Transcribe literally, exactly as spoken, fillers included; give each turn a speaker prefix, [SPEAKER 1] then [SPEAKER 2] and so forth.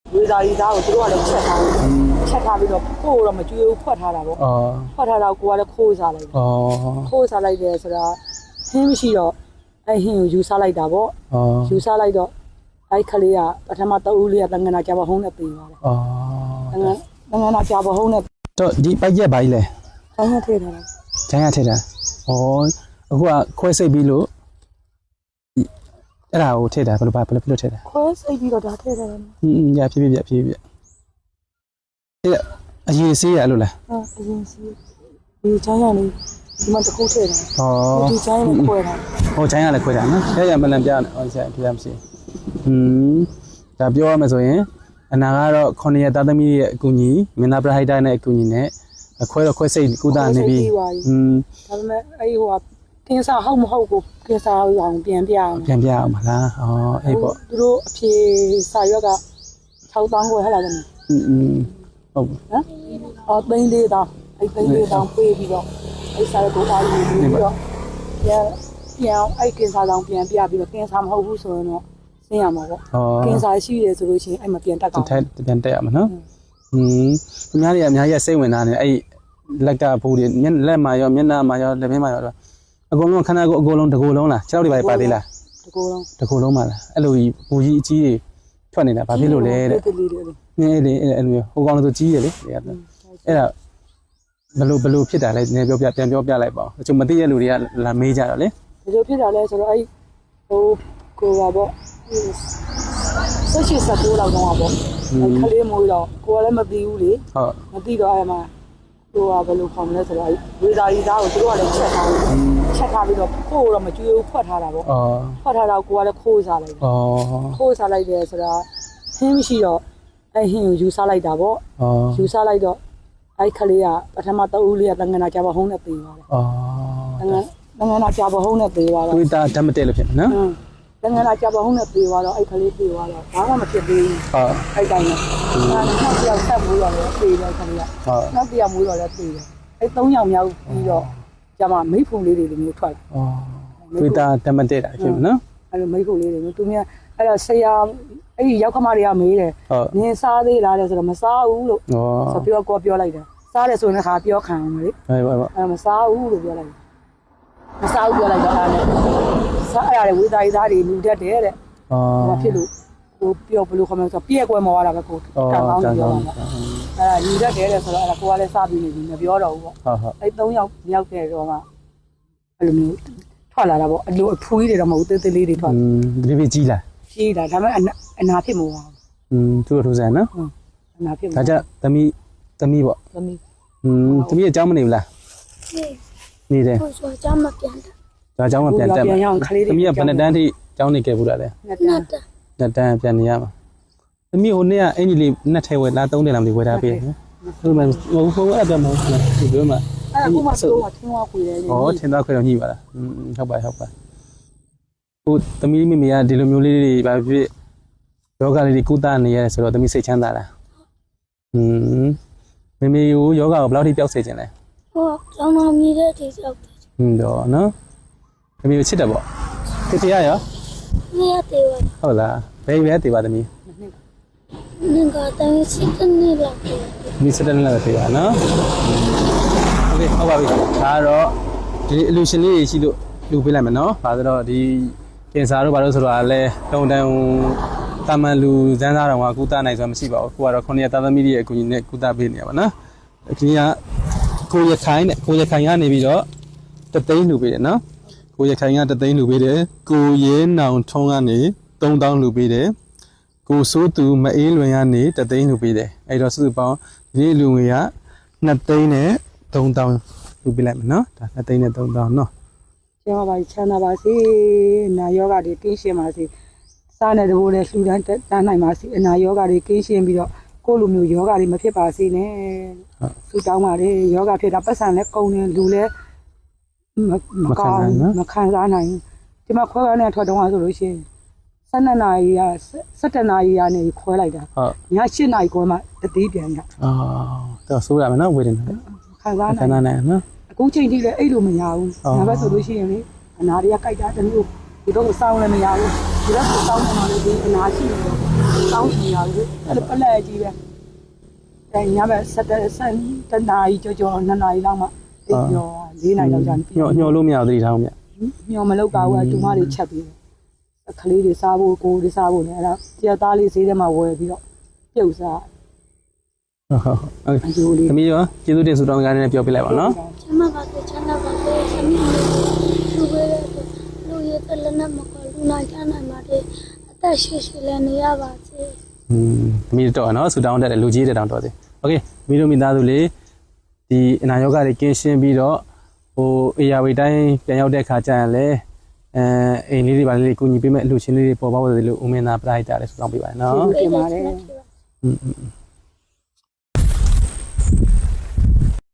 [SPEAKER 1] ဝေသာရီသားကိုသူတို့ကလည်းချက်ထားတယ်ချက်ထားပြီးတော့ကိုယ်တော့မကြွေးဘူးဖွက်ထားတာပေါ့ဖွက်ထားတော့ကိုကလည်းခိုးစားလိုက်တယ်ခိုးစားလိုက်တယ်ဆိုတာဟင်းမရှိတော့အဲ့ဟင်းကိုယူစားလိုက်တာပေါ့ယူစားလိုက်တော့အဲ့ခလေးကပထမတအူးလေးကတန်ငနာကြပါဟုံးနဲ့ပြေးသွားတယ်တန်ငနာတန်ငနာကြပါဟုံးနဲ့
[SPEAKER 2] တော့ဒီပိုက်ရက်ပါကြီးလဲ
[SPEAKER 1] ကျန်းရထည့်ထားတာ
[SPEAKER 2] ကျန်းရထည့်တာဩအခုကခွဲစိတ်ပြီးလို့အဲ့ဒါကိုထည့်တာဘယ်လိုပါဘယ်လိုဖြစ်လို့ထည့်တာ
[SPEAKER 1] ခွဲစိတ်ပြီးတော့ဒါထည့်တယ်
[SPEAKER 2] อืมရဖြည်းဖြည်းဖြည်းဖြည်းအဲ့အရင်ဆေးရလို့လား
[SPEAKER 1] ဟုတ်အရင်ဆေးဒီကျန်းရလေးဒီမှာတစ်ခုထည့်တယ်ဩဒီကျန်းရလေးခွဲတာ
[SPEAKER 2] ဟိုကျန်းရလည်းခွဲတာနော်ရရမလန်ပြဟောဆရာပြရမရှိอืมဒါပြောရမယ်ဆိုရင်အနာကတော့ခုနှစ်ရက်သားသမီးရဲ့အကူအညီမင်းသားပရဟိတနဲ့အကူအညီနဲ့ခွဲတော့ခွဲစိတ်ကုသနေပြီอืม
[SPEAKER 1] ဒါပေမဲ့အဲ့ဟိုကကင်းစားဟုတ်မဟုတ်ကိုကင်းစားအောင်ပြန်ပြအောင်
[SPEAKER 2] ပြန်ပြအောင်မလားဩအဲ့ပေါ့
[SPEAKER 1] သူတို့အဖြေစာရွက်က၆သောင်းကိုဟဲ့လားသမီး
[SPEAKER 2] อืมဟုတ်
[SPEAKER 1] နော်အော်သိန်းလေးတောင်းအဲ့သိန်းလေးတောင်းပေးပြီးတော့အဲ့စာရွက်ကိုအားယူပြီးတော့ပြန်ပြန်အဲ့ကင်းစားအောင်ပြန်ပြပြီးတော့ကင်းစားမဟုတ်ဘူးဆိုရင်တော့ဆင်းရမှာပေါ့ကင်းစားရှိတယ်ဆိုလို့ရှိရင်အဲ့မှာပြန်တက်အောင်
[SPEAKER 2] ပြန်တက်ရမှာနော်อืมသူများတွေအများကြီးစိတ်ဝင်စားနေအဲ့လက်ကဘူးတွေမျက်လက်မှာရောမျက်နှာမှာရောလက်မင်းမှာရောအကုန်လုံးခန္ဓာကိုယ်အကုန်လုံးတကူလုံးလားခြေထောက်တွေပါပါသေးလား
[SPEAKER 1] တကူလုံး
[SPEAKER 2] တကူလုံးပါလားအဲ့လိုကြီးဘူကြီးအကြီးတွေထွက်နေတာဘာဖြစ်လို့လဲတဲ့နည်းလေအဲ့လိုဟိုကောင်တို့ကြီးရလေအဲ့ဒါဘယ်လိုဘယ်လိုဖြစ်တာလဲနည်းပြောပြပြန်ပြောပြလိုက်ပါဦးအချို့မသိတဲ့လူတွေကလာမေးကြတော့လေ
[SPEAKER 1] ဘယ်လိုဖြစ်တာလဲဆိုတော့အဲ့ဟိုကိုပါပေါ့ဆက်ရှိစကူလောက်တော့ပါပေါ့ခလေးမွေးတော့ကိုကလည်းမသိဘူးလေ
[SPEAKER 2] ဟုတ်
[SPEAKER 1] မသိတော့အဲ့မှာဟိုကဘယ်လိုခေါ်မလဲဆိုတော့ဝေသာရီသားကိုသူတို့ကလည်းချက်ထားတယ်ချက်ထားပြီးတော့ကိုယ်တော့မကြွေးဘူးဖွက်ထားတာပေါ့ဖွက်ထားတော့ကိုကလည်းခိုးစားလိုက်တယ်ခိုးစားလိုက်တယ်ဆိုတာဟင်းမရှိတော့အဲ့ဟင်းကိုယူစားလိုက်တာပေါ့ယူစားလိုက်တော့အဲ့ခလေးကပထမတအူးလေးကတန်ငနာကြပါဟုံးနဲ့ပြေးသွားတယ်တန်ငနာတန်ငနာကြပါဟုံးနဲ့ပြေးသွားတော့
[SPEAKER 2] ဝေသာဓာတ်မတည့်လို့ဖြစ်မှာနော်
[SPEAKER 1] တန်ငနာကြပါဟုံးနဲ့ပြေးသွားတော့အဲ့ခလေးပြေးသွားတော့ဘာမှမဖြစ်သေးဘူး
[SPEAKER 2] ဟုတ်
[SPEAKER 1] အဲ့တိုင်းနဲ့အဲ့နောက်တစ်ယောက်ဆက်မွေးတော့လည်းပြေးတယ်ခလေးက
[SPEAKER 2] ဟုတ်
[SPEAKER 1] နောက်တစ်ယောက်မွေးတော့လည်းပြေးတယ်အဲ့သုံးယောက်မြောက်ပြီးတော့ကျမမိဖုံလေးတွေလိုမျိုးထွက်လာ
[SPEAKER 2] ဝေသာဓာတ်မတည့်တာဖြစ်မှာနော်
[SPEAKER 1] အဲ့လိုမိဖုံလေးတွေမျိုးသူများအဲ့တော့ဆရာအဲ့ဒီရောက်ခမတွေကမေးတယ်နင်စားသေးလားလဲဆိုတော့မစားဘူးလို့ဆိုပြောကောပြောလိုက်တယ်စားတယ်ဆိုရင်ခါပြောခံအောင်လေ
[SPEAKER 2] ဟုတ်ပါပါ
[SPEAKER 1] အဲ့မစားဘူးလို့ပြောလိုက်တယ်မစားဘူးပြောလိုက်တော့အဲ့ဒါစားရတယ်ဝေသာရီသားတွေလူတက်တယ်တဲ့ဟောဖြစ်လို့ဟိုပြောဘလို့ခမဆိုပြည့်ကွယ်မော်ရတာပဲကိုတောင်းအောင်ပြောတာအဲ့ဒါလူတက်တယ်တဲ့ဆိုတော့အဲ့ဒါကိုကလည်းစားပြီးနေပြီမပြောတော့ဘူးပေါ့
[SPEAKER 2] ဟုတ်ဟုတ်
[SPEAKER 1] အဲ့သုံးယောက်မြောက်တဲ့တော့မှအဲ့လိုမျိုးထွက်လာတာပေါ့အလိုအဖူးကြီးတွေတော့မဟုတ်သေးသေးလေးတွေထွက်
[SPEAKER 2] อืมဒီပြကြီးလား
[SPEAKER 1] ကြီးတာဒါပေမဲ့အနာဖြစ်မဟုတ်ဘူး
[SPEAKER 2] อืมသူတို့ထိုးစံနော်
[SPEAKER 1] ဟုတ်အနာဖြစ်
[SPEAKER 2] ဒါကြသမီးသမီးပေါ့
[SPEAKER 1] သမီး
[SPEAKER 2] อืมသမီးအကြောင်းမနေဘူးလားနေနေတယ်
[SPEAKER 3] ဟိုဆိုအကြောင်းမပြန်တာ
[SPEAKER 2] ဒါအကြောင်းမပြန်တက်
[SPEAKER 1] မှာ
[SPEAKER 2] သမီးကဘယ်နှစ်တန်းထိအကြောင်းနေခဲ့ဘူးလားလဲ
[SPEAKER 1] နှစ်တန်း
[SPEAKER 2] နှစ်တန်းပြန်နေရမှာသမီးဟိုနေ့ကအင်ကြီးလေးနှစ်ထဲဝယ်လားသုံးတယ်လားမသိဝယ်ထားပေးနော်ဟုတ်မှမဟုတ်ဘူးအဲ့ဒါမဟုတ်လားဒီပြောမှာ
[SPEAKER 1] အဲ့အခုမှတော့ထင်းသွားခွေတယ်
[SPEAKER 2] ဩထင်းသွားခွေတော့ညှိပါလားอืมဟုတ်ပါဟုတ်ပါဟိုသမီးမိမိကဒီလိုမျိုးလေးတွေဘာဖြစ်ယောဂလေးတွေကုသနေရတယ်ဆိုတော့သမီးစိတ်ချမ်းသာလားอืมမိမိကိုယောဂကိုဘယ်လောက်ထိပျောက်စေခြင်းလဲ
[SPEAKER 3] ဟောကျောင်းတော်မြည်တဲ့ဒီရောက်တယ်
[SPEAKER 2] อืมတော့နော်မိမိကိုချစ်တယ်ပေါ့တတိယရော
[SPEAKER 3] မရသေးဘူး
[SPEAKER 2] ဟုတ်လားဘယ်ပဲတည်ပါသမီး
[SPEAKER 3] နင်ကတည်းကစစ်နေလောက်တယ်
[SPEAKER 2] မိစတဲ့လည်းတည်ပါနော်โอเคဟုတ်ပါပြီဒါကတော့ဒီအလူရှင်လေးရှိလို့လူပေးလိုက်မယ်နော်ဘာလို့တော့ဒီကင်ဆာတို့ဘာလို့ဆိုတော့လဲတုံတန်တာမန်လူစမ်းစားတော်ကကုသနိုင်ဆိုတာမရှိပါဘူးကိုကတော့ခုနှစ်ရက်သားသမီးတွေရဲ့အကူအညီနဲ့ကုသပေးနေရပါနော်ဒီကကိုရခိုင်နဲ့ကိုရခိုင်ကနေပြီးတော့တသိန်းလူပေးတယ်နော်ကိုရခိုင်ကတသိန်းလူပေးတယ်ကိုရဲနောင်ထုံးကနေသုံးသောင်းလူပေးတယ်ကိုစိုးသူမအေးလွင်ကနေတသိန်းလူပေးတယ်အဲ့တော့စုစုပေါင်းဒီလူငွေကနှစ်သိန်းနဲ့သုံးသောင်းလူပေးလိုက်မယ်နော်ဒါနှစ်သိန်းနဲ့သုံးသောင်းနော်
[SPEAKER 1] ကျမပါချမ်းသာပါစေနာယောဂတွေကင်းရှင်းပါစေစားတဲ့ဘိုးနဲ့လှူဒန်းတန်းနိုင်ပါစေအနာယောဂတွေကင်းရှင်းပြီးတော့ကိုလိုမျိုးယောဂတွေမဖြစ်ပါစေနဲ့ဆုတောင်းပါတယ်ယောဂဖြစ်တာပတ်စံလဲကုန်တယ်လူလဲမကောင်းမခံစားနိုင်ဒီမှာခွဲခွဲနဲ့ထွက်တော့ဆိုလို့ရှိရင်ဆယ်နှစ်နာရီကဆယ်တနာရီကနေခွဲလိုက်တာ
[SPEAKER 2] ဟုတ်
[SPEAKER 1] ညရှစ်နာရီခွဲမှတတိပြန်ရ
[SPEAKER 2] အော်တော့ဆိုးရမယ်နော်ဝေဒနာ
[SPEAKER 1] ခံစား
[SPEAKER 2] နိုင်ခံစားနိုင်နော်
[SPEAKER 1] အခုချိန်ထိလည်းအဲ့လိုမရဘူးဒါပဲဆိုလို့ရှိရင်လေအနာတွေကကြိုက်တာတမျိုးဒီတော့စောင်းလည်းမရဘူးဒီတော့စောင်းနေမှလည်းဒီအနာရှိနေတယ်ကောင်းနေရဘူးအဲ့လိုပလက်ကြီးပဲအဲညဘက်ဆက်တဲ့ဆက်တနာရီကြောကြောနှစ်နာရီလောက်မှတိတ်ပြောလေးနာရီလောက်ကြာနေ
[SPEAKER 2] ညှော်ညှော်လို့မရဘူးသတိထားအောင်မြတ်
[SPEAKER 1] ညော်မလောက်ပါဘူးအတူမတွေချက်ပြီးအခလေးတွေစားဖို့ကိုတွေစားဖို့နဲ့အဲ့ဒါတရသားလေးဈေးထဲမှာဝယ်ပြီးတော့ပြုတ်စား
[SPEAKER 2] ဟုတ်ဟုတ်ဟုတ်
[SPEAKER 1] အကျိုးလေး
[SPEAKER 2] သမီးရောကျေးဇူးတင်ဆုတောင်းကြတဲ့ပြောပြလိုက်ပါနော်
[SPEAKER 3] ချမ်းသာပါစေချမ်းသာပါစေဆမီးလူပဲလူရတဲ့လည်းမကောလူနိုင်ချမ်းနိုင်ပါတယ်အသက်ရှိရှိလည်းနေရပါစေ
[SPEAKER 2] อืมသမီးတော့နော်ဆုတောင်းတတ်တယ်လူကြီးတဲ့တောင်းတော်စေโอเคမိတို့မိသားစုလေးဒီအနာရောဂါတွေကင်းရှင်းပြီးတော့ဟိုအေယာဝေတိုင်းပြန်ရောက်တဲ့ခါကျရင်လည်းအဲအိမ်လေးတွေပါလေးကိုညီပေးမဲ့အလှူရှင်လေးတွေပေါ်ပေါက်တယ်လို့ဦးမင်းသားပရိုက်တာလည်းဆုတောင်းပေးပါနော်
[SPEAKER 1] တင်ပါတယ်
[SPEAKER 2] อืม